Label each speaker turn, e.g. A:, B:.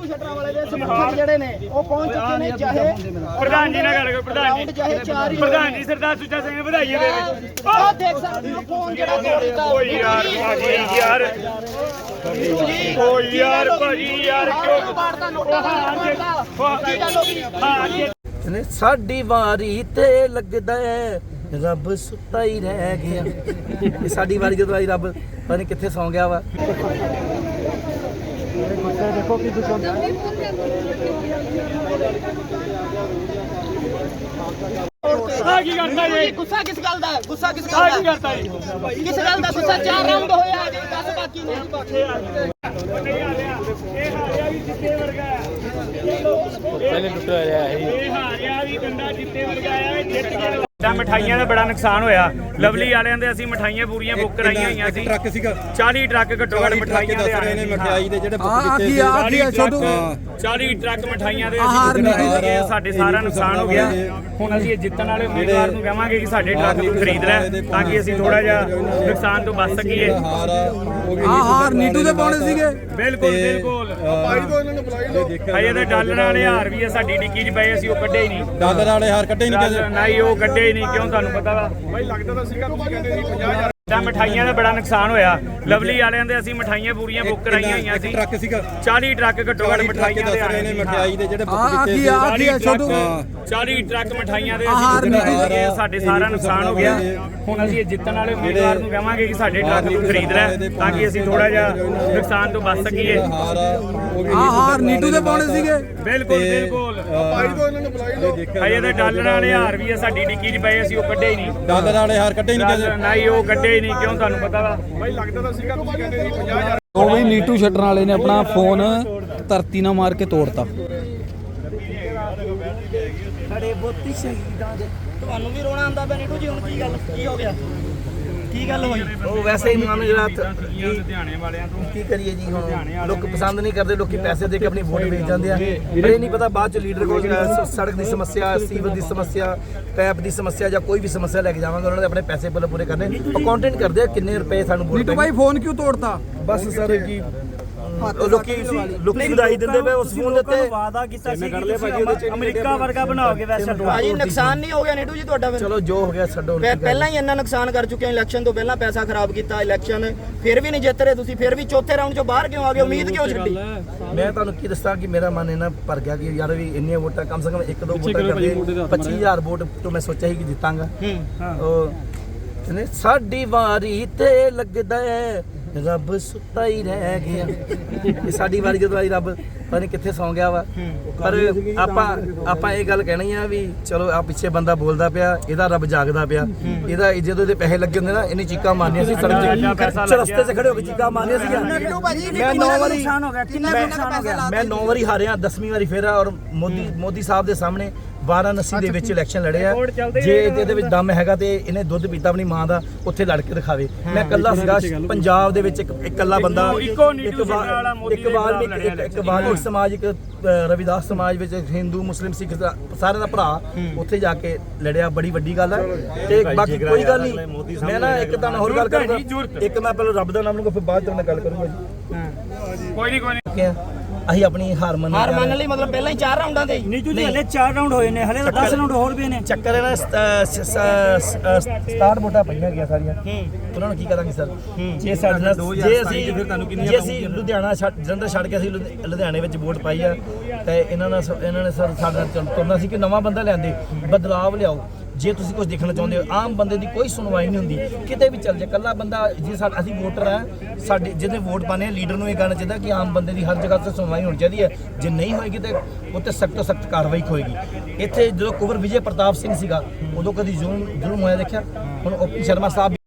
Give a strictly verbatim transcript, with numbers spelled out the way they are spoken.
A: ਸ਼ਟਰਾਂ ਵਾਲੇ ਦੇ ਸਮਰਥਕ ਜਿਹੜੇ ਨੇ ਉਹ ਪਹੁੰਚ ਚੁੱਕੇ ਨੇ। ਚਾਹੇ
B: ਪ੍ਰਧਾਨ ਜੀ ਨਾਲ ਗੱਲ ਕਰੋ। ਪ੍ਰਧਾਨ ਜੀ
A: ਚਾਹੇ ਚਾਰ ਹੀ
B: ਪ੍ਰਧਾਨ ਜੀ ਸਰਦਾਰ ਸੁੱਚਾ ਸਿੰਘ ਵਧਾਈਏ ਦੇ ਵਿੱਚ
A: ਆਹ ਦੇਖ ਸਕਦੇ ਹੋ ਫੋਨ ਜਿਹੜਾ ਤੋੜ ਦਿੱਤਾ।
B: ਓ ਯਾਰ ਭਾਜੀ ਯਾਰ ਓ ਯਾਰ ਭਾਜੀ ਯਾਰ ਕਿਉਂ
A: ਮਾਰਦਾ ਨੋਟਾ ਕੀ ਗੱਲ ਹੋ ਗਈ?
B: ਹਾਂ
C: ਨੇ ਸਾਡੀ ਵਾਰੀ ਤੇ ਲੱਗਦਾ ਹੈ ਰੱਬ ਸੁੱਤਾ ਹੀ ਰਹਿ ਗਿਆ। ਇਹ ਸਾਡੀ ਵਾਰੀ ਜਦੋਂ ਆਈ ਰੱਬ ਪਤਾ ਨਹੀਂ ਕਿੱਥੇ ਸੌਂ ਗਿਆ ਵਾ।
A: ਦੇਖੋ ਕੀ ਦੁਕਾਨ
B: ਆ ਕੀ ਕਰਦਾ ਜੀ?
A: ਗੁੱਸਾ ਕਿਸ ਗੱਲ ਦਾ? ਗੁੱਸਾ ਕਿਸ
B: ਆ
A: ਗੱਲ
B: ਕੀ
A: ਦਾ?
B: ਕਰਦਾ ਜੀ?
A: ਕਿਸ ਗੱਲ ਦਾ ਗੁੱਸਾ? ਚਾਰ ਰਾਉਂਡ ਹੋਇਆ ਅਜੇ ਦਸ ਬਾਕੀ ਨੇ।
B: ਨਹੀਂ ਆ ਰਿਹਾ ਇਹ ਹਾਰਿਆ ਵੀ ਜਿੱਤੇ ਵਰਗਾ ਆ।
D: ਪਹਿਲੇ ਟੁੱਟਿਆ ਰਿਹਾ ਹੈ
B: ਇਹ ਹਾਰਿਆ ਵੀ ਕੰਡਾ ਜਿੱਤੇ ਵਰਗਾ ਆ। ਇਹ ਜਿੱਤ ਗਿਆ। ਤਾਂ ਮਠਾਈਆਂ ਦਾ ਬੜਾ ਨੁਕਸਾਨ ਹੋਇਆ। ਲਵਲੀ ਵਾਲਿਆਂ ਦੇ ਅਸੀਂ ਮਠਾਈਆਂ ਪੂਰੀਆਂ ਬੁੱਕ ਕਰਾਈਆਂ ਹੋਈਆਂ ਸੀ।
D: ਟਰੱਕ ਸੀਗਾ
B: ਚਾਲੀ ਟਰੱਕ ਘੱਟੋ ਘੱਟ ਮਠਾਈਆਂ ਦੇ ਆ ਰਹੇ ਨੇ।
D: ਮਠਿਆਈ ਦੇ ਜਿਹੜੇ ਬੁੱਕ
C: ਆ
D: ਕੀਤੇ
C: ਕੀ
D: ਸੀ
C: ਆ ਕੀ ਆ ਛੋਟੂ
B: ਚਾਲੀ ਟਰੱਕ ਮਠਾਈਆਂ ਦੇ ਅਸੀਂ ਖਰੀਦੇ। ਸਾਡੇ ਸਾਰਾ ਨੁਕਸਾਨ ਹੋ ਗਿਆ। ਹੁਣ ਅਸੀਂ ਇਹ ਜਿੱਤਣ ਵਾਲੇ ਉਮੀਦਵਾਰ ਨੂੰ ਕਹਾਂਗੇ ਕਿ ਸਾਡੇ ਟਰੱਕ ਨੂੰ ਖਰੀਦ ਲੈ ਤਾਂ ਕਿ ਅਸੀਂ ਥੋੜਾ ਜਿਹਾ ਨੁਕਸਾਨ ਤੋਂ ਬਚ ਸਕੀਏ।
D: ਹਾਰ ਉਹ ਵੀ
C: ਆ ਹਾਰ ਨੀਟੂ ਦੇ ਪਾਉਣੇ ਸੀਗੇ।
B: ਬਿਲਕੁਲ ਬਿਲਕੁਲ
D: ਭਾਈ ਤੋਂ ਇਹਨਾਂ ਨੂੰ ਬੁਲਾਈ ਲਓ।
B: ਅਜੇ ਤਾਂ ਡਾਲਰ ਵਾਲੇ ਹਾਰ ਵੀ ਆ ਸਾਡੀ ਡਿੱਕੀ 'ਚ ਪਏ, ਅਸੀਂ ਉਹ ਕੱਢੇ ਹੀ ਨਹੀਂ।
D: ਡਾਲਰ ਵਾਲੇ ਹਾਰ ਕੱਢੇ ਨਹੀਂ ਕਦੇ।
B: ਨਹੀਂ ਉਹ ਕੱਢੇ ਹੀ ਨਹੀਂ। ਕਿਉਂ ਤੁਹਾਨੂੰ ਪਤਾ ਵਾ ਬਾਈ? ਲੱਗਦਾ ਤਾਂ ਸੀਗਾ ਤੁਸੀਂ ਕਹਿੰਦੇ ਸੀ ਪੰਜਾਹ ਹਜ਼ਾਰ। ਤਾਂ ਮਠਾਈਆਂ ਦਾ ਬੜਾ ਨੁਕਸਾਨ ਹੋਇਆ। ਲਵਲੀ ਵਾਲਿਆਂ ਦੇ ਅਸੀਂ ਮਠਾਈਆਂ ਪੂਰੀਆਂ ਬੁੱਕ ਕਰਾਈਆਂ ਹੋਈਆਂ ਸੀ।
D: ਟਰੱਕ ਸੀਗਾ
B: ਚਾਲੀ ਟਰੱਕ ਘੱਟੋ ਘੱਟ ਮਠਾਈਆਂ ਦੇ ਆ ਰਹੇ ਨੇ।
D: ਮਠਿਆਈ ਦੇ ਜਿਹੜੇ ਬੁੱਕ
C: ਆ
D: ਕੀਤੇ
C: ਕੀ
D: ਸੀ
C: ਆ ਕੀ ਆ ਛੋਟੂ
B: ਚਾਲੀ ਟਰੱਕ ਮਠਾਈਆਂ ਦੇ ਅਸੀਂ ਖਰੀਦੇ। ਸਾਡੇ ਸਾਰਾ ਨੁਕਸਾਨ ਹੋ ਗਿਆ। ਹੁਣ ਅਸੀਂ ਇਹ ਜਿੱਤਣ ਵਾਲੇ ਉਮੀਦਵਾਰ ਨੂੰ ਕਹਾਂਗੇ ਕਿ ਸਾਡੇ ਟਰੱਕ ਨੂੰ ਖਰੀਦ ਲੈ ਤਾਂ ਕਿ ਅਸੀਂ ਥੋੜਾ ਜਿਹਾ ਨੁਕਸਾਨ ਤੋਂ ਬਚ ਸਕੀਏ।
D: ਹਾਰ ਉਹ ਵੀ
C: ਆ ਹਾਰ ਨੀਟੂ ਦੇ ਪਾਉਣੇ ਸੀਗੇ।
B: ਬਿਲਕੁਲ ਬਿਲਕੁਲ
D: ਭਾਈ ਤੋਂ ਇਹਨਾਂ ਨੂੰ ਬੁਲਾਈ ਲਓ।
B: ਅਜੇ ਤਾਂ ਡਾਲਰ ਵਾਲੇ ਹਾਰ ਵੀ ਆ ਸਾਡੀ ਡਿੱਕੀ 'ਚ ਪਏ, ਅਸੀਂ ਉਹ ਕੱਢੇ ਹੀ ਨਹੀਂ।
D: ਡਾਲਰ ਵਾਲੇ ਹਾਰ ਕੱਢੇ ਨਹੀਂ ਕਦੇ।
B: ਨਹੀਂ ਉਹ ਕੱਢੇ ਹੀ ਨਹੀਂ। ਕਿਉਂ ਤੁਹਾਨੂੰ ਪਤਾ ਵਾ ਬਾਈ? ਲੱਗਦਾ ਤਾਂ ਸੀਗਾ ਤੁਸੀਂ ਕਹਿੰਦੇ ਸੀ ਪੰਜਾਹ ਹਜ਼ਾਰ।
E: ਉਹ ਵੀ ਨੀਟੂ ਸ਼ਟਰਾਂ ਵਾਲੇ ਨੇ ਆਪਣਾ ਫੋਨ ਧਰਤੀ ਨਾਲ ਮਾਰ ਕੇ ਤੋੜਤਾ।
A: ਸਾਡੇ ਬੋਤੀ ਸ਼ਹੀਦਾਂ ਦੇ ਤੁਹਾਨੂੰ ਵੀ ਰੋਣਾ ਆਉਂਦਾ ਪਿਆ ਨੀਟੂ ਜੀ? ਹੁਣ ਕੀ ਗੱਲ ਕੀ ਹੋ ਗਿਆ? ਕੀ ਗੱਲ ਹੋਈ?
C: ਉਹ ਵੈਸੇ ਹੀ ਮਨ ਜਿਹੜਾ
B: ਲੁਧਿਆਣੇ ਵਾਲਿਆਂ ਤੋਂ
C: ਕੀ ਕਰੀਏ ਜੀ। ਹੁਣ ਲੋਕ ਪਸੰਦ ਨਹੀਂ ਕਰਦੇ। ਲੋਕੀ ਪੈਸੇ ਦੇ ਕੇ ਆਪਣੀ ਵੋਟ ਵੇਚ ਜਾਂਦੇ ਆ। ਪਰ ਇਹ ਨਹੀਂ ਪਤਾ ਬਾਅਦ ਚ ਲੀਡਰ ਕੋਲ ਸੜਕ ਦੀ ਸਮੱਸਿਆ, ਸੀਵਰ ਦੀ ਸਮੱਸਿਆ, ਪੈਪ ਦੀ ਸਮੱਸਿਆ ਜਾਂ ਕੋਈ ਵੀ ਸਮੱਸਿਆ ਲੈ ਕੇ ਜਾਵਾਂਗੇ। ਉਹਨਾਂ ਦੇ ਆਪਣੇ ਪੈਸੇ ਪਹਿਲਾਂ ਪੂਰੇ ਕਰਨੇ। ਅਕਾਊਂਟੈਂਟ ਕਰਦੇ ਆ ਕਿੰਨੇ ਰੁਪਏ ਸਾਨੂੰ ਵੋਟ
E: ਨੀਟੂ ਭਾਈ ਫੋਨ ਕਿਉਂ ਤੋੜਤਾ?
C: ਬਸ ਸਰ ਜੀ ਲੋਕੀ ਲੋਕੀ ਵਧਾਈ ਦਿੰਦੇ ਪਏ ਉਸ ਫੋਨ ਦੇ ਉੱਤੇ।
A: ਵਾਅਦਾ ਕੀਤਾ ਸੀ
C: ਕਿ
A: ਅਮਰੀਕਾ ਵਰਗਾ ਬਣਾਓਗੇ ਵੈਸੇ। ਭਾਜੀ ਨੁਕਸਾਨ ਨਹੀਂ ਹੋ ਗਿਆ ਨੀਟੂ ਜੀ ਤੁਹਾਡਾ? ਫਿਰ
C: ਚਲੋ ਜੋ ਹੋ ਗਿਆ ਛੱਡੋ।
A: ਪਹਿਲਾਂ ਹੀ ਇੰਨਾ ਨੁਕਸਾਨ ਕਰ ਚੁੱਕੇ ਹੋ। ਇਲੈਕਸ਼ਨ ਤੋਂ ਪਹਿਲਾਂ ਪੈਸਾ ਖਰਾਬ ਕੀਤਾ। ਇਲੈਕਸ਼ਨ ਫਿਰ ਵੀ ਨਹੀਂ ਜਿੱਤ ਰਹੇ ਤੁਸੀਂ। ਫਿਰ ਵੀ ਚੌਥੇ ਰਾਉਂਡ ਚੋਂ ਬਾਹਰ ਕਿਉਂ ਆ ਗਏ? ਉਮੀਦ ਕਿਉਂ ਛੱਡੀ?
C: ਮੈਂ ਤੁਹਾਨੂੰ ਕੀ ਦੱਸਾਂ ਕਿ ਮੇਰਾ ਮਨ ਇਹਨਾਂ ਭਰ ਗਿਆ ਕਿ ਯਾਰ ਵੀ ਇੰਨੀਆਂ ਵੋਟਾਂ ਕਮ ਸੇ ਕਮ ਇੱਕ ਦੋ ਵੋਟਾਂ ਕਰਦੇ ਪੱਚੀ ਹਜ਼ਾਰ ਵੋਟ ਤੋਂ ਮੈਂ ਸੋਚਿਆ ਸੀ ਕਿ ਜਿੱਤਾਂਗਾ। ਉਹ ਕਹਿੰਦੇ ਸਾਡੀ ਵਾਰੀ ਤੇ ਲੱਗਦਾ ਹੈ ਰੱਬ ਸੁੱਤਾ ਹੀ ਰਹਿ ਗਿਆ। ਇਹ ਸਾਡੀ ਵਾਰੀ ਜਦੋਂ ਆਈ ਰੱਬ ਪਤਾ ਨਹੀਂ ਕਿੱਥੇ ਸੌਂ ਗਿਆ ਵਾ। ਪਰ ਆਪਾਂ ਆਪਾਂ ਇਹ ਗੱਲ ਕਹਿਣੀ ਆ ਵੀ ਚਲੋ ਆ ਪਿੱਛੇ ਬੰਦਾ ਬੋਲਦਾ ਪਿਆ, ਇਹਦਾ ਰੱਬ ਜਾਗਦਾ ਪਿਆ। ਇਹਦਾ ਜਦੋਂ ਇਹਦੇ ਪੈਸੇ ਲੱਗੇ ਹੁੰਦੇ ਨਾ ਇਹਨੇ ਚੀਕਾਂ ਮਾਰਨੀਆਂ ਸੀ ਸੜਕ ਤੇ, ਰਸਤੇ 'ਚ ਖੜੇ ਹੋ ਕੇ ਚੀਕਾਂ ਮਾਰਨੀਆਂ ਸੀਗੀਆਂ। ਮੈਂ ਨੌ ਵਾਰੀ
A: ਨੁਕਸਾਨ ਹੋ ਗਿਆ। ਕਿੰਨਾ ਕਿੰਨਾ ਪੈਸਾ ਲਾ
C: ਮੈਂ ਨੌ ਵਾਰੀ ਹਾਰਿਆ, ਦਸਵੀਂ ਵਾਰੀ ਫੇਰ ਔਰ ਮੋਦੀ ਮੋਦੀ ਸਾਹਿਬ ਦੇ ਸਾਹਮਣੇ ਵਾਰਾਣਸੀ ਦੇ ਵਿੱਚ ਇਲੈਕਸ਼ਨ ਲੜਿਆ। ਜੇ ਇਹਦੇ ਵਿੱਚ ਦਮ ਹੈਗਾ ਤੇ ਇਹਨੇ ਦੁੱਧ ਪੀਤਾ ਆਪਣੀ ਮਾਂ ਦਾ, ਉੱਥੇ ਲੜ ਕੇ ਦਿਖਾਵੇ। ਮੈਂ ਇਕੱਲਾ ਸੀਗਾ ਪੰਜਾਬ ਦੇ ਵਿੱਚ, ਇੱਕ ਇਕੱਲਾ ਬੰਦਾ, ਇੱਕ ਇੱਕ ਵਾਲਮੀਕ ਸਮਾਜ, ਇੱਕ ਰਵਿਦਾਸ ਸਮਾਜ ਵਿੱਚ, ਹਿੰਦੂ ਮੁਸਲਿਮ ਸਿੱਖ ਸਾਰਿਆਂ ਦਾ ਭਰਾ ਉੱਥੇ ਜਾ ਕੇ ਲੜਿਆ। ਬੜੀ ਵੱਡੀ ਗੱਲ ਹੈ। ਤੇ ਬਾਕੀ ਕੋਈ ਗੱਲ ਨਹੀਂ। ਮੈਂ ਨਾ ਇੱਕ ਤਾਂ ਹੋਰ ਗੱਲ ਕਰਾਂਗਾ। ਇੱਕ ਮੈਂ ਪਹਿਲਾਂ ਰੱਬ ਦਾ ਨਾਮ ਲਊਂਗਾ ਫਿਰ ਬਾਅਦ ਚ ਮੈਂ ਗੱਲ ਕਰੂੰਗਾ ਜੀ।
B: ਕੋਈ ਨਹੀਂ ਕੋਈ ਨਹੀਂ
C: ਅਸੀਂ ਆਪਣੀ ਹਾਰ ਮੰਨ
A: ਹਾਰ ਮੰਨ ਲਈ ਮਤਲਬ ਪਹਿਲਾਂ ਹੀ ਚਾਰ ਰਾਉਂਡਾਂ ਦੇ
F: ਨੀਟੂ ਜੀ ਹਲੇ ਚਾਰ ਰਾਉਂਡ ਹੋਏ ਨੇ, ਹਲੇ ਦਸ ਰਾਉਂਡ ਹੋਰ ਵੀ ਨੇ।
C: ਚੱਕਰ ਹੈ ਨਾ ਸਟਾਰਟ ਵੋਟਾਂ ਪਈਆਂ ਗਿਆ ਸਾਰੀਆਂ। ਉਹਨਾਂ ਨੂੰ ਕੀ ਕਰਾਂਗੇ ਸਰ? ਜੇ ਸਾਡੇ ਨਾਲ ਜੇ ਅਸੀਂ ਜੇ ਅਸੀਂ ਲੁਧਿਆਣਾ ਛੱਡ ਜਲੰਧਰ ਛੱਡ ਕੇ ਅਸੀਂ ਲੁਧਿਆਣੇ ਵਿੱਚ ਵੋਟ ਪਾਈ ਆ ਤੇ ਇਹਨਾਂ ਨਾਲ ਇਹਨਾਂ ਨੇ ਸਰ ਸਾਡੇ ਨਾਲ ਤੁਰਨਾ ਸੀ ਕਿ ਨਵਾਂ ਬੰਦਾ ਲਿਆਂਦੇ, ਬਦਲਾਵ ਲਿਆਓ। ਜੇ ਤੁਸੀਂ ਕੁਝ ਦੇਖਣਾ ਚਾਹੁੰਦੇ ਹੋ, ਆਮ ਬੰਦੇ ਦੀ ਕੋਈ ਸੁਣਵਾਈ ਨਹੀਂ ਹੁੰਦੀ ਕਿਤੇ ਵੀ ਚੱਲ ਜਾ। ਇਕੱਲਾ ਬੰਦਾ ਜੇ ਸਾਡਾ ਅਸੀਂ ਵੋਟਰ ਆ, ਸਾਡੇ ਜਿਹਦੇ ਵੋਟ ਪਾਣੇ ਆ ਲੀਡਰ ਨੂੰ ਇਹ ਕਹਿਣਾ ਚਾਹੀਦਾ ਕਿ ਆਮ ਬੰਦੇ ਦੀ ਹਰ ਜਗ੍ਹਾ ਤੇ ਸੁਣਵਾਈ ਹੋਣੀ ਚਾਹੀਦੀ ਹੈ। ਜੇ ਨਹੀਂ ਹੋਏਗੀ ਤੇ ਉੱਤੇ ਸਖਤ ਤੋਂ ਸਖਤ ਕਾਰਵਾਈ ਹੋਏਗੀ। ਇੱਥੇ ਜਦੋਂ ਕੁੰਵਰ ਵਿਜੇ ਪ੍ਰਤਾਪ ਸਿੰਘ ਸੀਗਾ ਉਦੋਂ ਕਦੀ ਜ਼ੁਲਮ ਜ਼ੁਲਮ ਹੋਇਆ ਦੇਖਿਆ? ਹੁਣ ਓਪੀ ਸ਼ਰਮਾ ਸਾਹਿਬ